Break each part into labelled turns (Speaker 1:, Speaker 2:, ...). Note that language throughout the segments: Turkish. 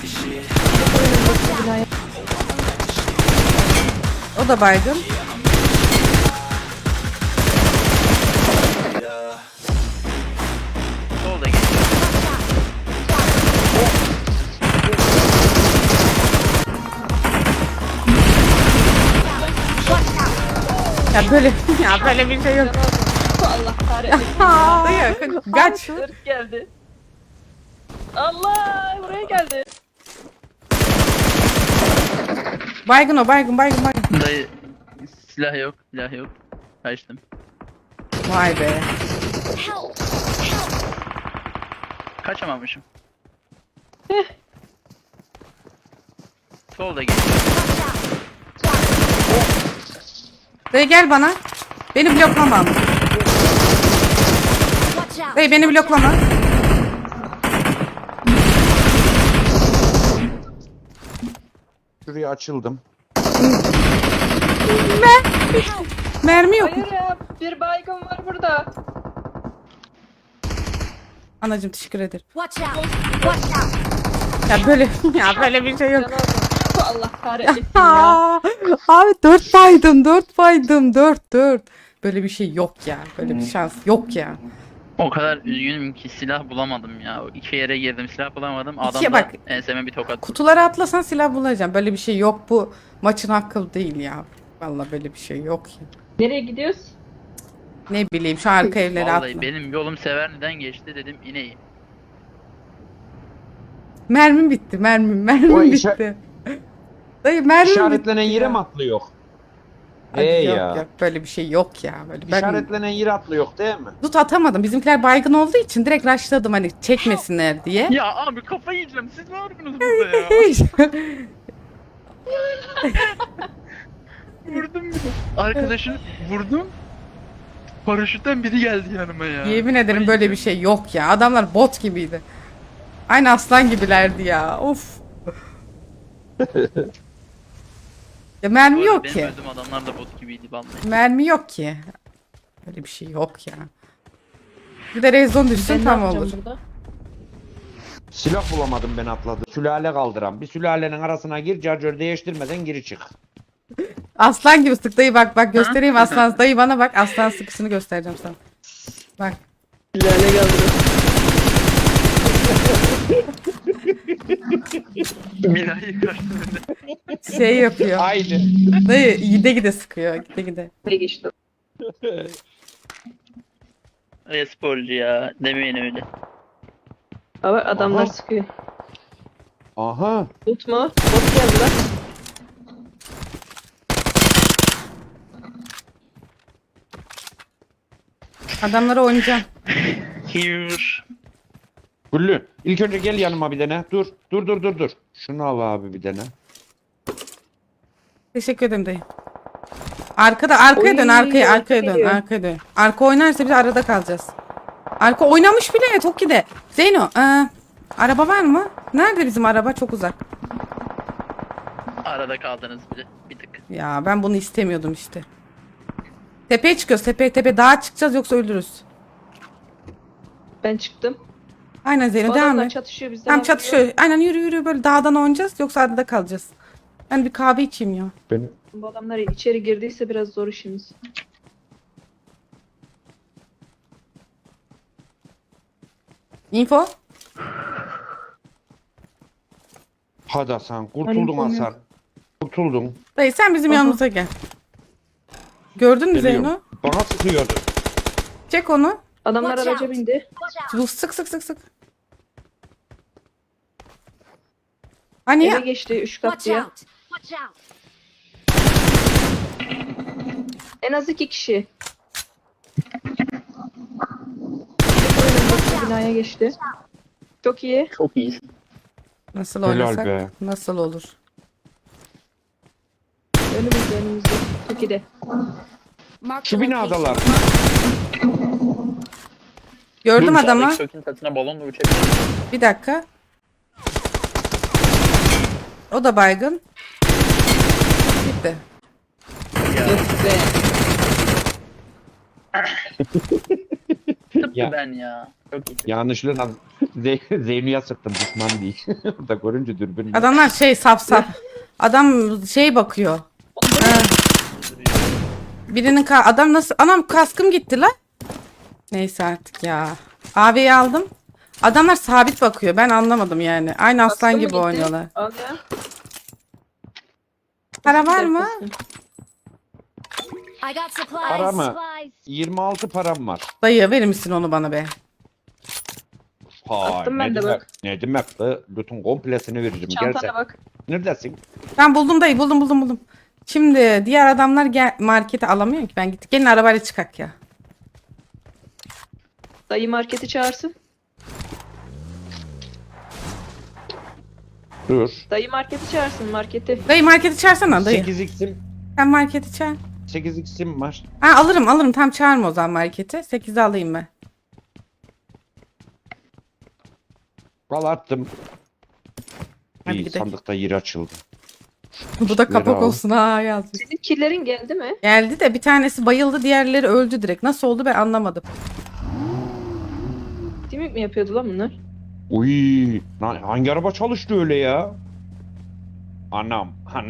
Speaker 1: O da baygın.
Speaker 2: Solda geçti.
Speaker 1: Ya böyle ya böyle bir şey yok.
Speaker 3: Allah kahretsin.
Speaker 1: Dayı kaç.
Speaker 3: Sırf geldi. Allah buraya geldi.
Speaker 1: Baygın o baygın.
Speaker 2: Dayı silah yok, silah yok. Kaçtım.
Speaker 1: Vay be.
Speaker 2: Kaçamamışım. Solda geçti.
Speaker 1: Dayı gel bana. Beni bloklama. Dayı beni bloklama.
Speaker 4: Şuraya açıldım.
Speaker 1: Mermi yok.
Speaker 3: Hayır ya bir baygın var burada.
Speaker 1: Anacığım teşekkür ederim.
Speaker 5: Watch out! Watch out!
Speaker 1: Ya böyle ya böyle bir şey yok.
Speaker 3: Can aldım. Allah kahretsin ya.
Speaker 1: Aa, abi 4 baydım 4. Böyle bir şey yok ya. Böyle bir şans yok ya.
Speaker 2: O kadar üzgünüm ki silah bulamadım ya. İki yere girdim, silah bulamadım. Adam
Speaker 1: İkiye
Speaker 2: da
Speaker 1: bak.
Speaker 2: enseme bir tokat.
Speaker 1: Kutuları atlasan silah bulacağım. Böyle bir şey yok, bu maçın hakkı değil ya. Vallahi böyle bir şey yok ya.
Speaker 3: Nereye gidiyoruz?
Speaker 1: Ne bileyim şu arka evlere
Speaker 2: Vallahi
Speaker 1: atla.
Speaker 2: benim yolum Severni'den geçti, dedim ineyim.
Speaker 1: Mermim bitti mermim
Speaker 4: O
Speaker 1: bitti. Dayı mermim
Speaker 4: İşaretlenen
Speaker 1: bitti
Speaker 4: yere
Speaker 1: ya.
Speaker 4: mi atlıyor?
Speaker 1: Hadi yok,
Speaker 4: ya.
Speaker 1: yok, böyle bir şey yok ya. Böyle ben
Speaker 4: İşaretlenen yere atlıyor değil mi?
Speaker 1: tut atamadım. Bizimkiler baygın olduğu için direkt rushladım hani çekmesinler diye.
Speaker 2: Ya abi kafayı yiyeceğim, siz ne yapıyorsunuz burada ya? Vurdum bir de. Arkadaşını vurdum. Paraşütten biri geldi yanıma ya.
Speaker 1: Yemin ederim
Speaker 2: Kafayı
Speaker 1: böyle bir
Speaker 2: yiyeceğim.
Speaker 1: şey yok ya. Adamlar bot gibiydi. Aynı aslan gibilerdi ya. Of. Ya mermi
Speaker 2: Bu arada
Speaker 1: yok
Speaker 2: benim
Speaker 1: ki.
Speaker 2: öldüğüm adamlar da bot gibiydi vallahi.
Speaker 1: Mermi yok ki. Böyle bir şey yok ya. Bir de rezon düşsün
Speaker 3: Ben
Speaker 1: tam
Speaker 3: ne yapacağım
Speaker 1: olur.
Speaker 3: burada?
Speaker 4: Silah bulamadım ben atladım. Sülale kaldıran. Bir sülalenin arasına gir, charger değiştirmeden geri çık.
Speaker 1: Aslan gibi sık dayı, bak göstereyim aslan. Dayı bana bak, aslan sıkısını göstereceğim sana. Bak.
Speaker 3: Lale geldi.
Speaker 2: Binayı karşıladı.
Speaker 1: Şey yapıyor.
Speaker 4: Aynı.
Speaker 1: Dayı gide sıkıyor. Gide.
Speaker 3: Ne geçti?
Speaker 2: E-sporcu ya, demeyin öyle.
Speaker 3: Ama adamlar
Speaker 4: Aha.
Speaker 3: sıkıyor.
Speaker 4: Aha.
Speaker 3: Bot mu? Bot geldi lan.
Speaker 1: Adamlara oynayacağım.
Speaker 2: Here.
Speaker 4: Güllü. İlk önce gel yanıma bir dene. Dur. Şunu al abi bir dene.
Speaker 1: Teşekkür ederim dayı. Arkaya dön,
Speaker 3: Oy,
Speaker 1: arkaya dön,
Speaker 3: geliyor.
Speaker 1: arkaya dön. Arka oynarsa biz arada kalacağız. Arka oynamış bile Toki'de. Zeyno, araba var mı? Nerede bizim araba? Çok uzak.
Speaker 2: Arada kaldınız bir tık.
Speaker 1: Ya ben bunu istemiyordum işte. Tepeye çıkıyoruz, tepe. Dağa çıkacağız yoksa ölürüz.
Speaker 3: Ben çıktım.
Speaker 1: Aynen Zeyno,
Speaker 3: Bu
Speaker 1: devam
Speaker 3: adamlar
Speaker 1: et.
Speaker 3: çatışıyor bizden.
Speaker 1: Tamam çatışıyor. Aynen yürü böyle dağdan oynayacağız yoksa arada kalacağız. Ben bir kahve içeyim ya.
Speaker 4: Beni...
Speaker 3: Bu adamlar içeri girdiyse biraz zor işimiz.
Speaker 1: Info.
Speaker 4: Hadi Hasan. Kurtuldun
Speaker 3: Hani
Speaker 4: Hasan. Kurtuldun.
Speaker 1: Dayı sen bizim
Speaker 3: Aha.
Speaker 1: yanımıza gel. Gördün mü
Speaker 4: Geliyorum.
Speaker 1: Zeyno?
Speaker 4: Bana sıkıyordu.
Speaker 1: Çek onu.
Speaker 3: Adamlar
Speaker 5: Watch
Speaker 3: araca
Speaker 5: out.
Speaker 3: bindi.
Speaker 5: Watch out!
Speaker 1: Bu sık. Hani
Speaker 3: Eve
Speaker 1: ya?
Speaker 3: geçti 3
Speaker 5: Watch
Speaker 3: katlıya.
Speaker 5: out! Watch out!
Speaker 3: En az 2 kişi. Binaya geçti. Çok iyi.
Speaker 2: Çok iyisin.
Speaker 1: Nasıl
Speaker 4: Helal
Speaker 1: oynasak?
Speaker 4: be.
Speaker 1: Nasıl olur?
Speaker 3: Önümüzde. Çok iyi de.
Speaker 5: Mark
Speaker 4: Şu
Speaker 5: the location.
Speaker 4: binadalar.
Speaker 1: Gördüm adamı.
Speaker 2: Sökün katına balonla uçabilir.
Speaker 1: Bir dakika. O da baygın. Bitti.
Speaker 2: sıktı
Speaker 4: Ya.
Speaker 2: ben ya. Çok iyi.
Speaker 4: Yanlışlıkla Zeyno'ya sıktım, düşman değil. Burada görünce dürbün.
Speaker 1: Adamlar şey saf saf. Adam şey bakıyor. Ha. Birinin adam nasıl? Anam kaskım gitti lan. Neyse artık ya. AV'yi aldım. Adamlar sabit bakıyor. Ben anlamadım yani. Aynı aslan
Speaker 3: Kaskın mı
Speaker 1: gibi
Speaker 3: gitti?
Speaker 1: oynuyorlar.
Speaker 3: Al ya.
Speaker 1: Para var mı?
Speaker 5: I got supplies.
Speaker 4: Para mı?
Speaker 5: Supplies.
Speaker 4: 26 param var.
Speaker 1: Dayı verir misin onu bana be?
Speaker 4: Hay,
Speaker 3: Attım ben
Speaker 4: ne
Speaker 3: de
Speaker 4: demek,
Speaker 3: bak.
Speaker 4: ne demek be? Bütün komplesini veririm.
Speaker 3: Çantana
Speaker 4: Gelse.
Speaker 3: bak.
Speaker 4: Neredesin?
Speaker 1: Ben buldum dayı, buldum. Şimdi diğer adamlar markete alamıyor ki. Ben gittik. Gelin arabayla çıkak ya.
Speaker 3: Dayı marketi çağırsın.
Speaker 4: Dur.
Speaker 3: Dayı marketi çağırsın marketi.
Speaker 1: Dayı marketi çağırsana dayı.
Speaker 4: 8x'im
Speaker 1: Sen marketi çağır.
Speaker 4: 8x'im var.
Speaker 1: Ha alırım. Tam çağırma o zaman marketi. 8'i alayım ben.
Speaker 4: Al attım.
Speaker 1: Hadi
Speaker 4: İyi,
Speaker 1: gidelim.
Speaker 4: sandıkta yer açıldı.
Speaker 1: Bu da kapak
Speaker 4: Ver abi.
Speaker 1: olsun ha yazmış.
Speaker 3: Senin killerin geldi mi?
Speaker 1: Geldi de bir tanesi bayıldı, diğerleri öldü direkt. Nasıl oldu ben anlamadım.
Speaker 3: Timik mi yapıyordu lan bunlar?
Speaker 4: Uy, lan hangi araba çalıştı öyle ya? Anam.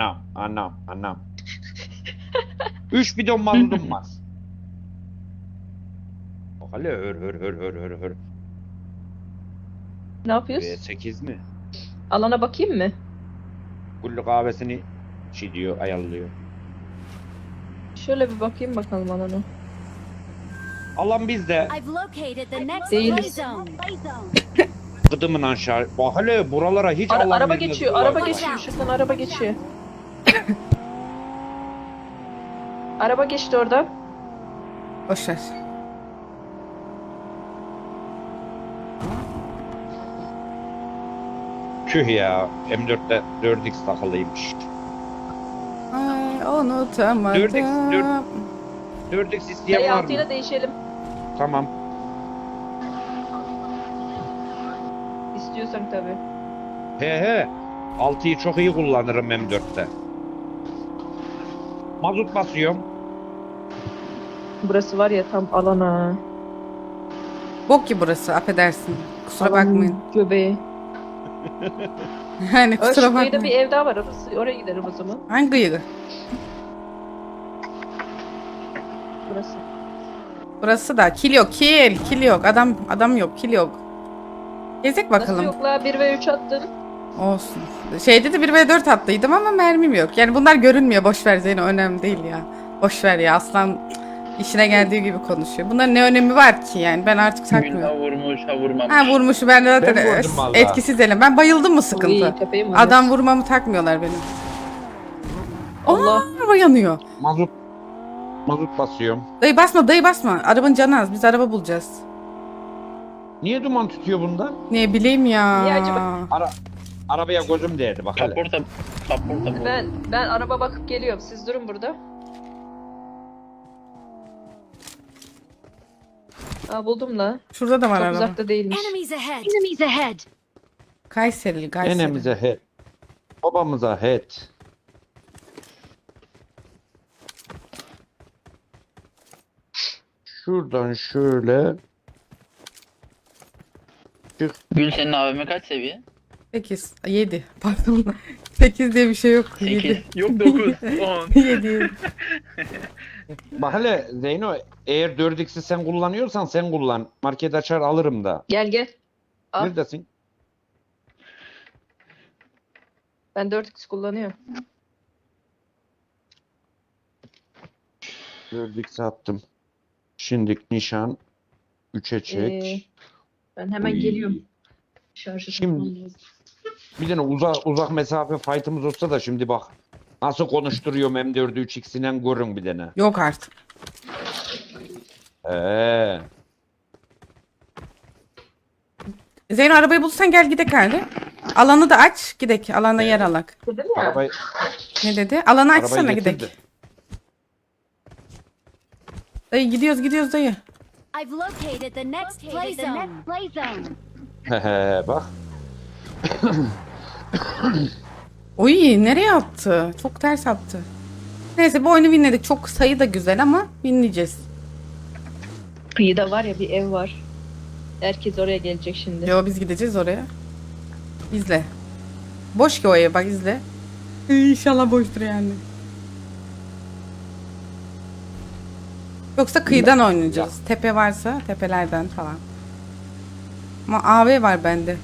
Speaker 4: 3 bidon mazotum var. Bak hele hır.
Speaker 3: Ne yapıyoruz?
Speaker 4: V8 mi?
Speaker 3: Alana bakayım mı?
Speaker 4: Kullu kahvesini şey diyor, ayarlıyor.
Speaker 3: Şöyle bir bakayım bakalım alana.
Speaker 4: Alan bizde.
Speaker 5: I've located the next
Speaker 3: Değiliz.
Speaker 5: play zone.
Speaker 4: Gıdımın aşağı. Bak hele buralara hiç alan
Speaker 3: Araba
Speaker 4: vermez
Speaker 3: geçiyor,
Speaker 4: bunlar.
Speaker 3: araba geçiyor. Şuradan araba geçiyor. Araba geçti orada.
Speaker 1: Boşver.
Speaker 4: Tüh ya. M4'te 4x takılıymış.
Speaker 1: Ay unutamadım.
Speaker 4: 4x isteyen
Speaker 3: Dayı
Speaker 4: var
Speaker 3: altıyla
Speaker 4: mı?
Speaker 3: değişelim.
Speaker 4: Tamam.
Speaker 3: İstiyorsan tabii.
Speaker 4: He. 6'yı çok iyi kullanırım M4'te. Mazot basıyorum.
Speaker 3: Burası var ya tam alana.
Speaker 1: Bok ki burası, affedersin. Kusura
Speaker 3: Alanın
Speaker 1: bakmayın.
Speaker 3: Göbeği.
Speaker 1: Yani
Speaker 3: Şu
Speaker 1: kusura
Speaker 3: kıyıda bir
Speaker 1: bakmayın.
Speaker 3: ev daha var. Oraya gidelim o zaman.
Speaker 1: Hangi gıyığı?
Speaker 3: Burası.
Speaker 1: Burası da kil yok, kil yok. Adam yok, kil yok. Gezek
Speaker 3: Nasıl
Speaker 1: bakalım.
Speaker 3: yok la 1 ve 3 attın.
Speaker 1: Olsun. Şeyde de 1v4 attıydım ama mermim yok. Yani bunlar görünmüyor. Boş ver Zeyno, önemli değil ya. Boş ver ya, aslan işine geldiği gibi konuşuyor. Bunların ne önemi var ki yani? Ben artık
Speaker 2: Günha
Speaker 1: takmıyorum.
Speaker 2: vurmuş, ha vurmamış.
Speaker 1: Ha vurmuşu ben de zaten
Speaker 4: Ben vurdum vallahi.
Speaker 1: etkisiz elim. Ben bayıldım mı sıkıntı?
Speaker 3: Uy, tepeyim var.
Speaker 1: Adam vurmamı takmıyorlar benim.
Speaker 3: Allah.
Speaker 1: Araba yanıyor.
Speaker 4: Mazot basıyorum.
Speaker 1: Dayı basma. Arabanın canı az. Biz araba bulacağız.
Speaker 4: Niye duman tutuyor bundan?
Speaker 1: Ne bileyim ya.
Speaker 3: Niye acaba?
Speaker 4: Arabaya gözüm değdi bak hele.
Speaker 2: Kaporta bu.
Speaker 3: Ben araba bakıp geliyorum. Siz durun burada. Aa buldum la.
Speaker 1: Şurada da var
Speaker 3: Çok
Speaker 1: araba.
Speaker 3: uzakta değilmiş.
Speaker 5: Enemies ahead. Enemies ahead.
Speaker 1: Kayseri.
Speaker 4: Enemize head. Babamıza head. Şuradan şöyle.
Speaker 2: Gül senin AVM kaç seviye?
Speaker 1: 8, 7. Pardon. 8 diye bir şey yok. 7.
Speaker 2: 8. Yok 9. 10.
Speaker 1: 7.
Speaker 4: Bak hele Zeyno, eğer 4x'i sen kullanıyorsan sen kullan. Market açar alırım da.
Speaker 3: Gel. Al.
Speaker 4: Neredesin?
Speaker 3: Ben 4x kullanıyorum.
Speaker 4: 4x attım. Şimdilik nişan 3'e çek.
Speaker 3: Ben hemen
Speaker 4: Uy.
Speaker 3: geliyorum. Şarjı
Speaker 4: Şimdi-
Speaker 3: takmam lazım.
Speaker 4: Bir tane uzak mesafe fight'ımız olsa da şimdi bak. Nasıl konuşturuyorum M4'ü 3x'inden görün bir tane.
Speaker 1: Yok artık. Zeyno arabayı bulursan gel gidek hadi. Alanı da aç gidek. Alanda yer alak.
Speaker 3: Dedim ya.
Speaker 4: Arabayı,
Speaker 1: Ne dedi? Alanı
Speaker 4: arabayı
Speaker 1: açsana
Speaker 4: getir
Speaker 1: gidek.
Speaker 4: de.
Speaker 1: Dayı gidiyoruz dayı.
Speaker 5: I've located the next play zone.
Speaker 4: Hehe bak.
Speaker 1: Oy nereye attı? Çok ters attı. Neyse bu oyunu winledik. Çok sayı da güzel ama winleyeceğiz.
Speaker 3: Kıyıda var ya bir ev var. Herkes oraya gelecek şimdi.
Speaker 1: Yo biz gideceğiz oraya. İzle. Boş ki o ev bak izle. İnşallah boştur yani. Yoksa kıyıdan oynayacağız. Tepe varsa tepelerden falan. Ama AV var bende.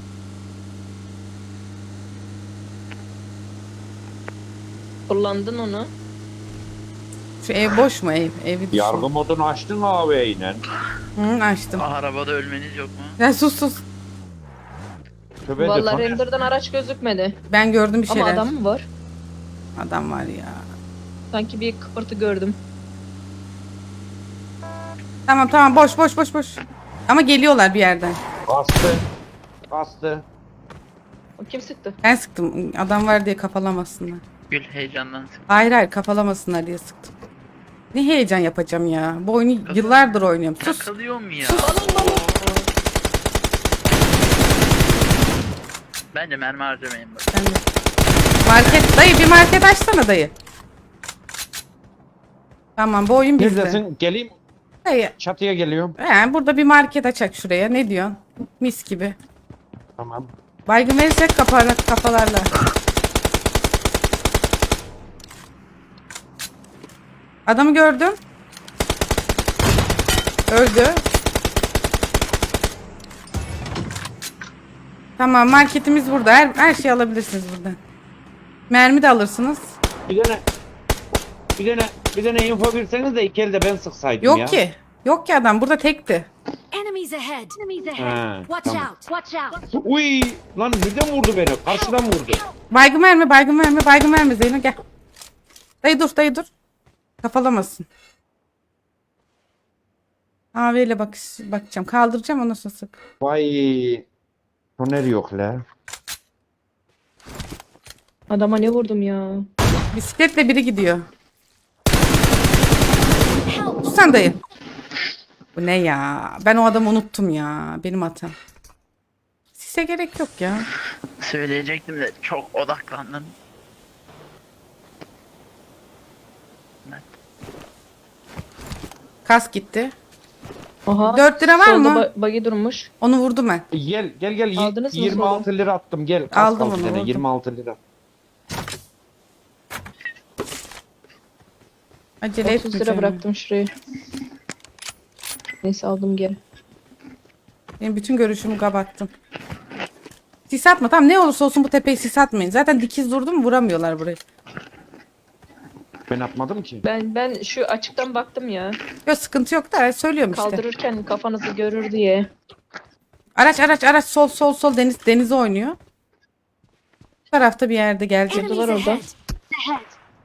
Speaker 3: Kullandın onu.
Speaker 1: Şu ev boş mu ev? Evi düşün.
Speaker 4: Yargı modunu açtın AV'yle.
Speaker 1: Hı, açtım.
Speaker 2: Arabada ölmeniz yok mu?
Speaker 1: Ya sus.
Speaker 4: Tövbe de
Speaker 3: Vallahi
Speaker 4: Taner.
Speaker 3: render'dan araç gözükmedi.
Speaker 1: Ben gördüm bir şeyler.
Speaker 3: Ama adam mı var?
Speaker 1: Adam var ya.
Speaker 3: Sanki bir kıpırtı gördüm.
Speaker 1: Tamam boş. Ama geliyorlar bir yerden.
Speaker 4: Bastı.
Speaker 3: O kim sıktı?
Speaker 1: Ben sıktım. Adam var diye kafalamasınlar.
Speaker 2: Gül heyecandan sık.
Speaker 1: Hayır kafalamasınlar diye sıktım. Ne heyecan yapacağım ya. Bu oyunu yıllardır oynuyorum. Sus.
Speaker 2: Takılıyorum ya. Bence mermi harcamayın bak.
Speaker 1: Ben de. Market dayı bir market açsana dayı. Tamam bu oyun bizde.
Speaker 4: Neredesin? Geleyim.
Speaker 1: Dayı.
Speaker 4: Çatıya geliyorum.
Speaker 1: Burada bir market açak şuraya. Ne diyorsun? Mis gibi.
Speaker 4: Tamam.
Speaker 1: Baygın verirsek kafalarla. Adamı gördüm. Öldü. Tamam marketimiz burada. Her şeyi alabilirsiniz buradan. Mermi de alırsınız.
Speaker 4: Bir tane info verseniz de iki elde ben sıksaydım ya.
Speaker 1: Yok ki adam burada tekti.
Speaker 5: Enemies ahead. Enemies
Speaker 4: Ha,
Speaker 5: ahead. Watch
Speaker 4: tamam.
Speaker 5: out. Watch out.
Speaker 4: Uy lan nereden vurdu beni? Karşıdan vurdu.
Speaker 1: Baygın verme Zeyno gel. Dayı dur. Kafalamasın. AV ile bakacağım. Kaldıracağım ondan sonra sık.
Speaker 4: Vay. Toner yok la.
Speaker 3: Adama ne vurdum ya?
Speaker 1: Bisikletle biri gidiyor. Sen dayı. Bu ne ya? Ben o adamı unuttum ya. Benim hatam. Size gerek yok ya.
Speaker 2: Söyleyecektim de çok odaklandım.
Speaker 1: Kas gitti.
Speaker 3: Aha.
Speaker 1: 4 lira var
Speaker 3: solda
Speaker 1: mı?
Speaker 3: Buggy durmuş.
Speaker 1: Onu vurdum ben.
Speaker 4: Gel.
Speaker 3: Aldınız mı
Speaker 4: 26 lira attım gel.
Speaker 1: Aldım
Speaker 4: Aldım
Speaker 1: onu,
Speaker 4: onu.
Speaker 1: vurdum.
Speaker 4: 26 lira.
Speaker 1: Acele
Speaker 3: 30 lira
Speaker 1: etmeyeceğim.
Speaker 3: bıraktım şuraya. Neyse aldım geri.
Speaker 1: Benim bütün görüşümü kapattım. Sis atma. Tamam ne olursa olsun bu tepeyi sis atmayın. Zaten dikiz durdu mu vuramıyorlar burayı.
Speaker 4: Ben atmadım ki.
Speaker 3: Ben şu açıktan baktım ya.
Speaker 1: Yok sıkıntı yok da söylüyorum işte.
Speaker 3: Kaldırırken kafanızı görür diye.
Speaker 1: Araç sol denize oynuyor. Bu tarafta bir yerde gelecek.
Speaker 5: Enemies
Speaker 3: orada.
Speaker 5: ahead. Ahead.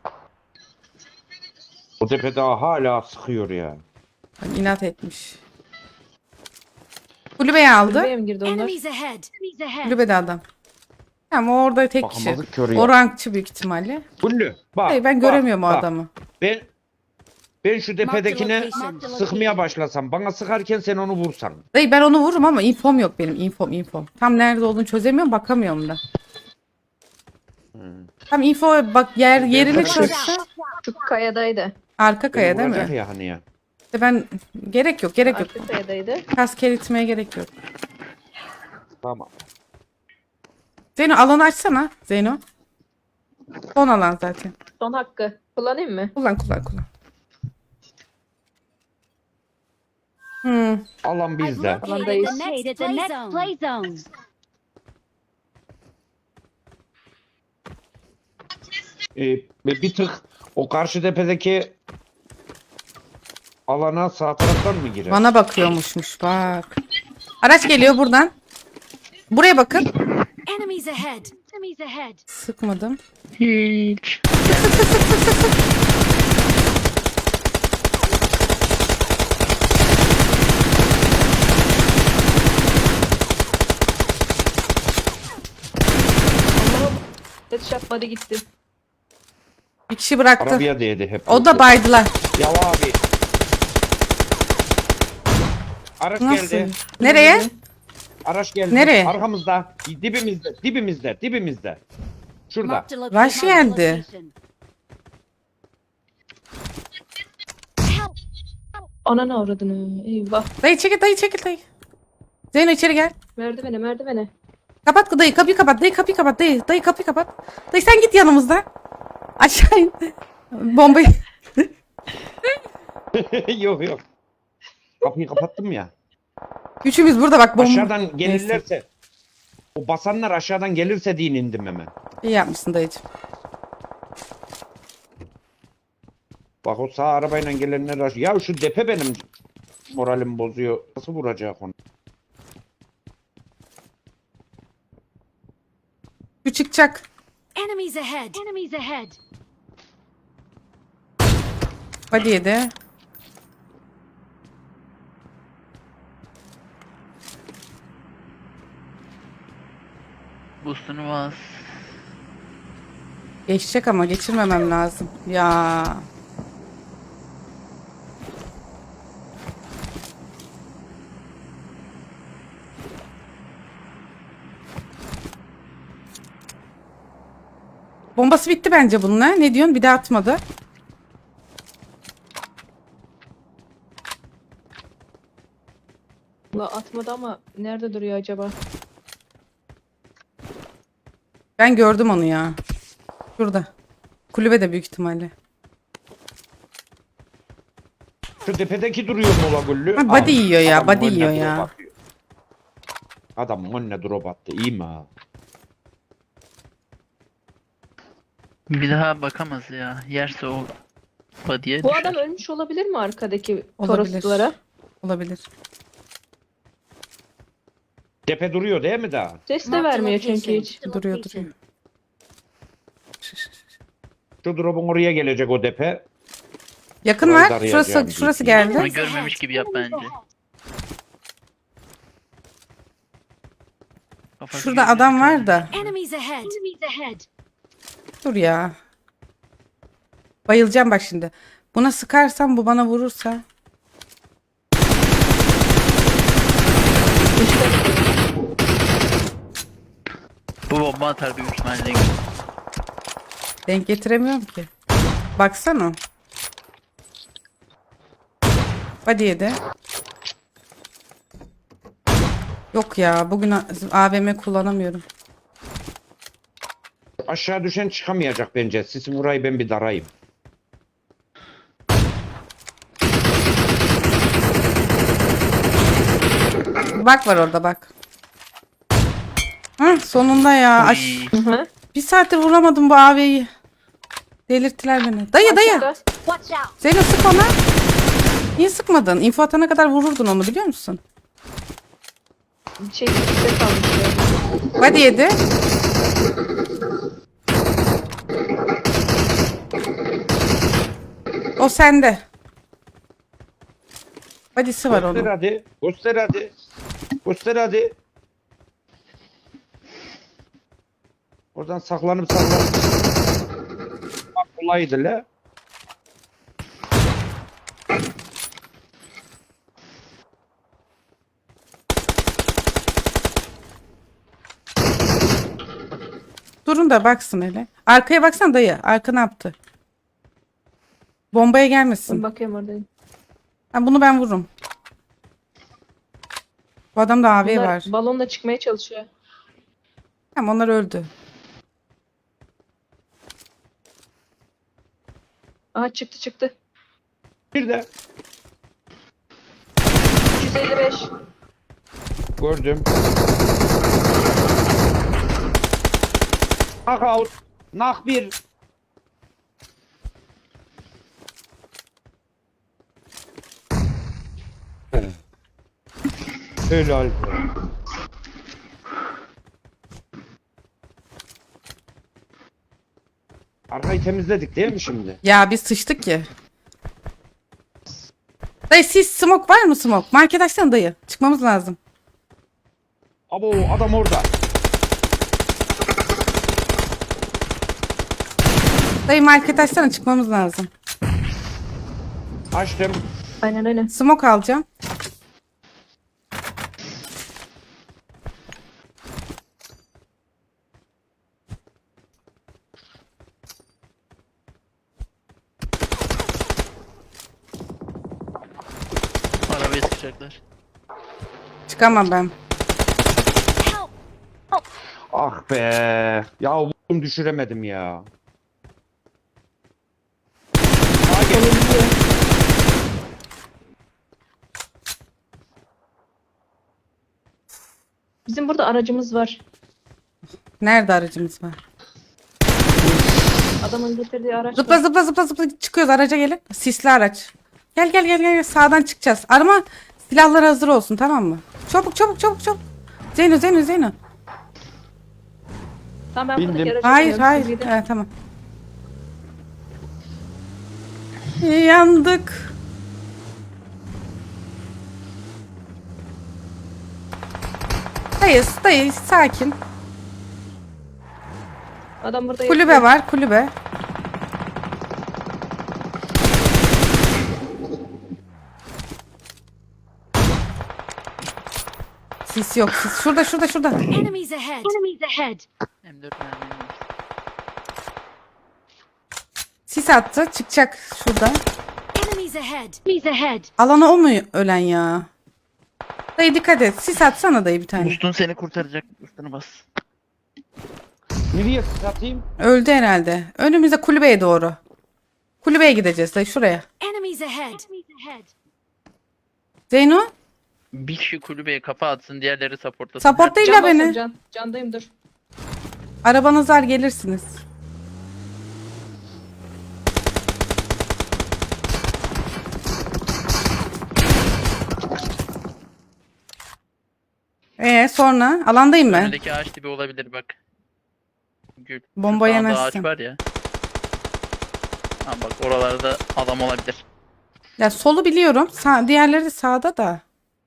Speaker 4: O tepede hala sıkıyor ya.
Speaker 1: Bak, İnat etmiş. Kulübeye aldı.
Speaker 3: Kulübeye mi girdi onlar?
Speaker 5: Enemies ahead. Enemies ahead.
Speaker 1: Kulübede adam. Tamam o orada tek kişi.
Speaker 4: Bakamadık ki oraya.
Speaker 1: O rankçı büyük ihtimalle.
Speaker 4: Güllü bak.
Speaker 1: Hayır ben
Speaker 4: bak,
Speaker 1: göremiyorum o
Speaker 4: bak.
Speaker 1: adamı.
Speaker 4: Ben şu tepedekine
Speaker 5: Mark the
Speaker 4: sıkmaya başlasam. Bana sıkarken sen onu vursan.
Speaker 1: Dayı ben onu vururum ama infom yok benim. Infom. Tam nerede olduğunu çözemiyorum bakamıyorum da. Tam info bak yerini
Speaker 4: Ben-
Speaker 1: çözse.
Speaker 3: Şu kayadaydı.
Speaker 1: Arka kaya
Speaker 4: Beni
Speaker 1: değil
Speaker 4: vuracak
Speaker 1: mi?
Speaker 4: ya hani ya.
Speaker 1: İşte ben gerek yok.
Speaker 3: Arka kayadaydı.
Speaker 1: Kask eritmeye gerek yok.
Speaker 4: Tamam.
Speaker 1: Zeyno alanı açsana. Zeyno. Son alan zaten.
Speaker 3: Son hakkı. Kullanayım mı?
Speaker 1: Kullan.
Speaker 4: Alan
Speaker 5: I've
Speaker 4: bizde.
Speaker 5: located
Speaker 3: Alandayız.
Speaker 5: the next play zone.
Speaker 4: Bir tık o karşı tepedeki alana sağ taraftan mı girer?
Speaker 1: Bana bakıyormuşmuş bak. Araç geliyor buradan. Buraya bakın.
Speaker 5: Enemies ahead. Enemies ahead.
Speaker 1: Sıkmadım.
Speaker 2: Hiç.
Speaker 3: Headshot body gitti.
Speaker 1: Bir kişi bıraktı.
Speaker 4: Arabaya değdi hep.
Speaker 1: O da baydılar.
Speaker 4: Ya abi. Araç
Speaker 1: Nasıl?
Speaker 4: geldi.
Speaker 1: Nereye?
Speaker 4: Araç geldi.
Speaker 1: Nereye?
Speaker 4: Arkamızda. Dibimizde. Şurada.
Speaker 5: Marked a location.
Speaker 1: Rush geldi.
Speaker 3: Ananı avradını. Eyvah.
Speaker 1: Dayı çekil dayı. Zeyno içeri gel.
Speaker 3: Merdivene merdivene.
Speaker 1: Kapat dayı, kapıyı kapat. Dayı kapıyı kapat. Dayı kapıyı kapat. Dayı sen git yanımızdan. Aşağı in. Bombayı.
Speaker 4: Yok yok. Kapıyı kapattım ya.
Speaker 1: Üçümüz burada bak bomba.
Speaker 4: Aşağıdan gelirlerse o basanlar aşağıdan gelirse diye indim hemen.
Speaker 1: İyi yapmışsın dayıcım.
Speaker 4: Bak o sağ arabayla gelenler ya şu depe benim moralim bozuyor. Nasıl vuracak onu?
Speaker 1: Şu çıkacak.
Speaker 5: Enemies ahead. Enemies ahead.
Speaker 1: Hadi yedi.
Speaker 2: Boostunu bas.
Speaker 1: Geçecek ama geçirmemem lazım. Ya. Bombası bitti bence bununla. Ne diyorsun? Bir de atmadı.
Speaker 3: La atmadı ama nerede duruyor acaba?
Speaker 1: Ben gördüm onu ya. Şurada. Kulübede büyük ihtimalle.
Speaker 4: Şu tepedeki duruyor mola güllü.
Speaker 1: Ha, body yiyor ya,
Speaker 4: Adam
Speaker 1: body
Speaker 4: önüne
Speaker 1: yiyor
Speaker 4: drop
Speaker 1: ya.
Speaker 4: atıyor. Adam önüne drop attı. İyi mi ha?
Speaker 2: Bir daha bakamaz ya. Yerse o body'ye
Speaker 3: Bu
Speaker 2: düşer.
Speaker 3: adam ölmüş olabilir mi arkadaki
Speaker 1: Olabilir.
Speaker 3: Toroslara?
Speaker 1: Olabilir.
Speaker 4: Tepe duruyor değil mi daha?
Speaker 3: Ses de
Speaker 5: Marked a
Speaker 3: vermiyor çünkü
Speaker 5: location.
Speaker 3: hiç.
Speaker 1: Duruyor duruyor.
Speaker 4: Şu drop'un oraya gelecek o tepe.
Speaker 1: Yakın
Speaker 4: Burayı
Speaker 1: var.
Speaker 4: da arayacağım
Speaker 1: Şurası
Speaker 4: büyük
Speaker 1: geldi.
Speaker 2: Onu görmemiş gibi yap bence. Kafası
Speaker 1: Şurada
Speaker 2: gözü
Speaker 1: adam var
Speaker 2: kırmızı.
Speaker 1: da.
Speaker 5: Enemies ahead. Enemies ahead.
Speaker 1: Dur ya. Bayılacağım bak şimdi. Buna sıkarsam bu bana vurursa.
Speaker 2: Bu bomba atar büyük ihtimalle.
Speaker 1: Denk getiremiyorum ki. Baksana. Hadi yedi. Yok ya bugün AVM kullanamıyorum.
Speaker 4: Aşağı düşen çıkamayacak bence. Sisin burayı ben bir darayım.
Speaker 1: Bak var orada bak. Hı, sonunda ya.
Speaker 2: Uy.
Speaker 3: Hı hı.
Speaker 1: Bir saattir vuramadım bu AV'yi. Delirttiler beni. Dayı dayı.
Speaker 3: Aşağıda.
Speaker 5: Watch out.
Speaker 1: Zeyno sık ona. Niye sıkmadın? İnfo atana kadar vururdun onu biliyor musun?
Speaker 3: Şey ses almış.
Speaker 1: Hadi yedi. O sende. Body'si var
Speaker 4: Göster
Speaker 1: onun.
Speaker 4: hadi. Göster hadi. Göster hadi. Oradan saklanıp. Bak kolaydı la.
Speaker 1: Durun da baksın hele. Arkaya baksan dayı. Arka ne yaptı? Bombaya
Speaker 3: Ben
Speaker 1: gelmesin.
Speaker 3: bakıyorum oradayım.
Speaker 1: Ha, bunu ben vururum. Bu adamda AV
Speaker 3: Bunlar
Speaker 1: var.
Speaker 3: balonla çıkmaya çalışıyor.
Speaker 1: Tamam onlar öldü.
Speaker 3: Aha çıktı.
Speaker 4: Bir de
Speaker 3: 155.
Speaker 4: gördüm. Knockout. Knock bir. Helal. Arkayı temizledik değil mi şimdi?
Speaker 1: Ya biz sıçtık ki. Dayı siz smoke var mı smoke? Market açsana dayı. Çıkmamız lazım.
Speaker 4: Abo adam orada.
Speaker 1: Dayı market açsana çıkmamız lazım.
Speaker 4: Açtım.
Speaker 3: Aynen.
Speaker 1: Smoke alacağım.
Speaker 2: Arabaya sıkacaklar.
Speaker 1: Çıkamam ben.
Speaker 4: Ah be. Ya vurdum düşüremedim ya.
Speaker 3: Bizim burada aracımız var.
Speaker 1: Nerede aracımız var?
Speaker 3: Adamın getirdiği araç
Speaker 1: Zıpla
Speaker 3: var.
Speaker 1: zıpla zıpla zıpla çıkıyoruz, araca gelin. Sisli araç. Gel gel gel gel, sağdan çıkacağız. Arama silahlar hazır olsun, tamam mı? Çabuk çabuk çabuk çabuk. Zeyno Zeyno Zeyno.
Speaker 3: Tamam ben
Speaker 4: Bindim.
Speaker 3: buradaki araca
Speaker 1: Hayır
Speaker 3: biniyorum,
Speaker 1: hayır.
Speaker 3: siz gidin.
Speaker 1: Evet, tamam. Yandık. Dayı sakin.
Speaker 3: Adam burada
Speaker 1: Kulübe
Speaker 3: yatıyor.
Speaker 1: var, kulübe. Sis yok, sis. Şurada şurada şurada.
Speaker 5: Enemies ahead. Enemies ahead.
Speaker 2: M4 mermim var.
Speaker 1: Sis attı, çıkacak şurada.
Speaker 5: Enemies ahead. Enemies ahead.
Speaker 1: Alana o mu ölen ya? Dayı dikkat et. Sis atsana dayı bir tane.
Speaker 2: Ustun seni kurtaracak. Ustunu bas.
Speaker 4: Nereye satayım?
Speaker 1: Öldü herhalde. Önümüze kulübeye doğru. Kulübeye gideceğiz dayı, şuraya.
Speaker 5: Enemies ahead. Enemies ahead.
Speaker 1: Zeyno,
Speaker 2: Bir kişi kulübeye kafa atsın, diğerleri supportlasın.
Speaker 1: support değil
Speaker 3: Can
Speaker 1: ya
Speaker 3: basın,
Speaker 1: beni.
Speaker 3: can. Candayım dur.
Speaker 1: Arabanız var, gelirsiniz. Sonra alandayım ben.
Speaker 2: Önündeki ağaç dibi olabilir bak. Gül. Şu
Speaker 1: Bomba
Speaker 2: sağda
Speaker 1: yemezsin.
Speaker 2: ağaç var ya. Ha bak oralarda adam olabilir.
Speaker 1: Ya solu biliyorum. Diğerleri de sağda da.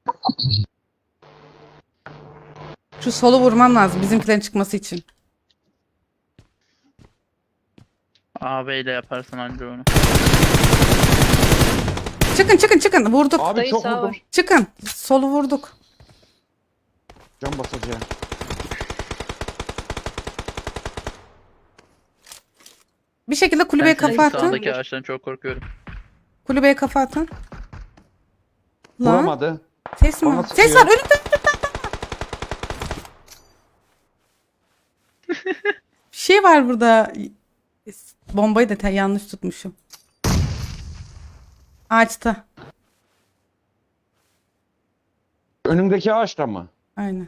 Speaker 1: Şu solu vurmam lazım bizimkilerin çıkması için.
Speaker 2: AB ile yaparsın anca onu.
Speaker 1: Çıkın çıkın çıkın. Vurduk.
Speaker 4: Abi
Speaker 3: Dayı
Speaker 4: çok
Speaker 3: sağ
Speaker 4: vurdum.
Speaker 3: var.
Speaker 1: Çıkın. Solu vurduk.
Speaker 4: Can basacağım.
Speaker 1: Bir şekilde kulübeye
Speaker 2: Ben senin
Speaker 1: kafa atın.
Speaker 2: sağdaki ağaçtan çok korkuyorum.
Speaker 1: Kulübeye kafa atın. Lan.
Speaker 4: Vuramadı.
Speaker 1: Ses mi
Speaker 4: Bana
Speaker 1: var?
Speaker 4: sıkıyor.
Speaker 1: Ses var. Önümde. Bir şey var burada. Bombayı da yanlış tutmuşum. Ağaçta.
Speaker 4: Önümdeki ağaçta mı?
Speaker 1: Aynen.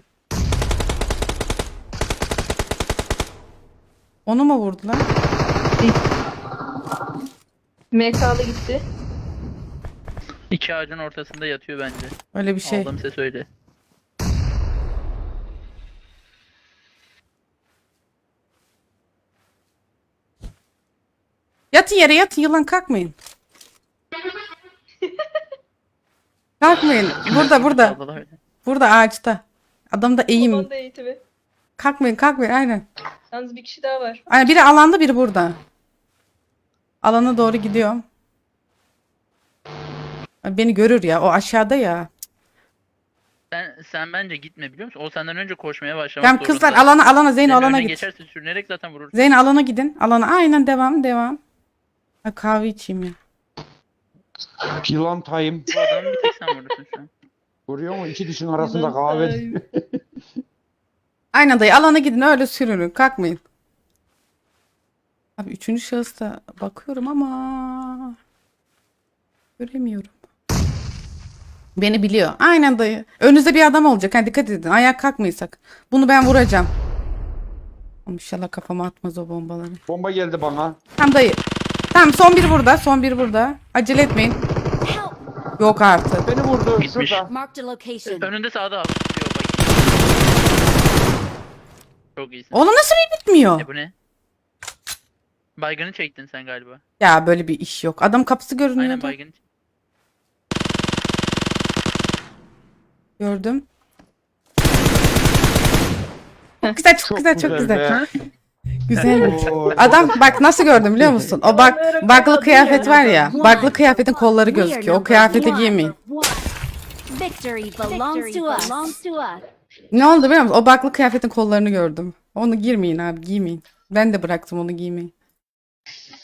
Speaker 1: Onu mu vurdular?
Speaker 3: MK'lı gitti.
Speaker 2: İki ağacın ortasında yatıyor bence.
Speaker 1: Öyle bir şey.
Speaker 2: Aldığım ses öyle.
Speaker 1: Yatın yere, yatın, yılan kalkmayın. Kalkmayın. Burada.
Speaker 2: Sağda da öyle.
Speaker 1: Burada ağaçta. Adam da eğim.
Speaker 3: Onda eğitimi.
Speaker 1: Kalkmayın aynen.
Speaker 3: Yalnız bir kişi daha var.
Speaker 1: Aynen, biri alanda biri burada. Alana doğru gidiyorum. Beni görür ya, o aşağıda ya.
Speaker 2: Sen bence gitme biliyor musun? O senden önce koşmaya başlamak
Speaker 1: Tamam kızlar,
Speaker 2: zorunda.
Speaker 1: alana Zeyno,
Speaker 2: Senin
Speaker 1: alana
Speaker 2: önüne
Speaker 1: git.
Speaker 2: geçerse sürünerek zaten vurur.
Speaker 1: Zeyno alana gidin. Alana aynen, devam. Ha, kahve içeyim ya.
Speaker 4: Yılan tayım.
Speaker 2: Bu adamı bir tek sen vurursun şu an.
Speaker 4: Görüyor musun? İki dişin arasında kahve.
Speaker 1: Aynen dayı, alana gidin, öyle sürünün, kalkmayın. Abi üçüncü şahısta bakıyorum ama göremiyorum. Beni biliyor. Aynen dayı. Önünüzde bir adam olacak. Ha, dikkat edin. Ayağa kalkmaysak. Bunu ben vuracağım. Ama İnşallah kafama atmaz o bombaları.
Speaker 4: Bomba geldi bana.
Speaker 1: Tamam dayı. Tamam, son bir burada. Acele etmeyin.
Speaker 5: Help.
Speaker 1: Yok artık.
Speaker 4: Beni vurdu.
Speaker 2: Gitmiş.
Speaker 4: Şurada.
Speaker 5: Marked a location.
Speaker 2: Önünde sağda abi. Yok bak. Çok iyisin.
Speaker 1: Oğlum nasıl bir bitmiyor?
Speaker 2: Bu ne? Baygını çektin sen galiba.
Speaker 1: Ya böyle bir iş yok. Adam kapısı
Speaker 2: Aynen
Speaker 1: görünüyordu.
Speaker 2: baygını.
Speaker 1: Gördüm. Çok güzel, çok güzel, çok güzel.
Speaker 4: be.
Speaker 1: Güzel.
Speaker 4: Oo,
Speaker 1: Adam bak nasıl gördüm biliyor musun? O bug'lı kıyafet var ya. Bug'lı kıyafetin kolları
Speaker 5: We are
Speaker 1: gözüküyor. O
Speaker 5: number
Speaker 1: kıyafeti
Speaker 5: one.
Speaker 1: giymeyin.
Speaker 5: Victory belongs to us.
Speaker 1: Ne oldu biliyor musun? O bug'lı kıyafetin kollarını gördüm. Onu girmeyin abi, giymeyin. Ben de bıraktım onu giymeyi.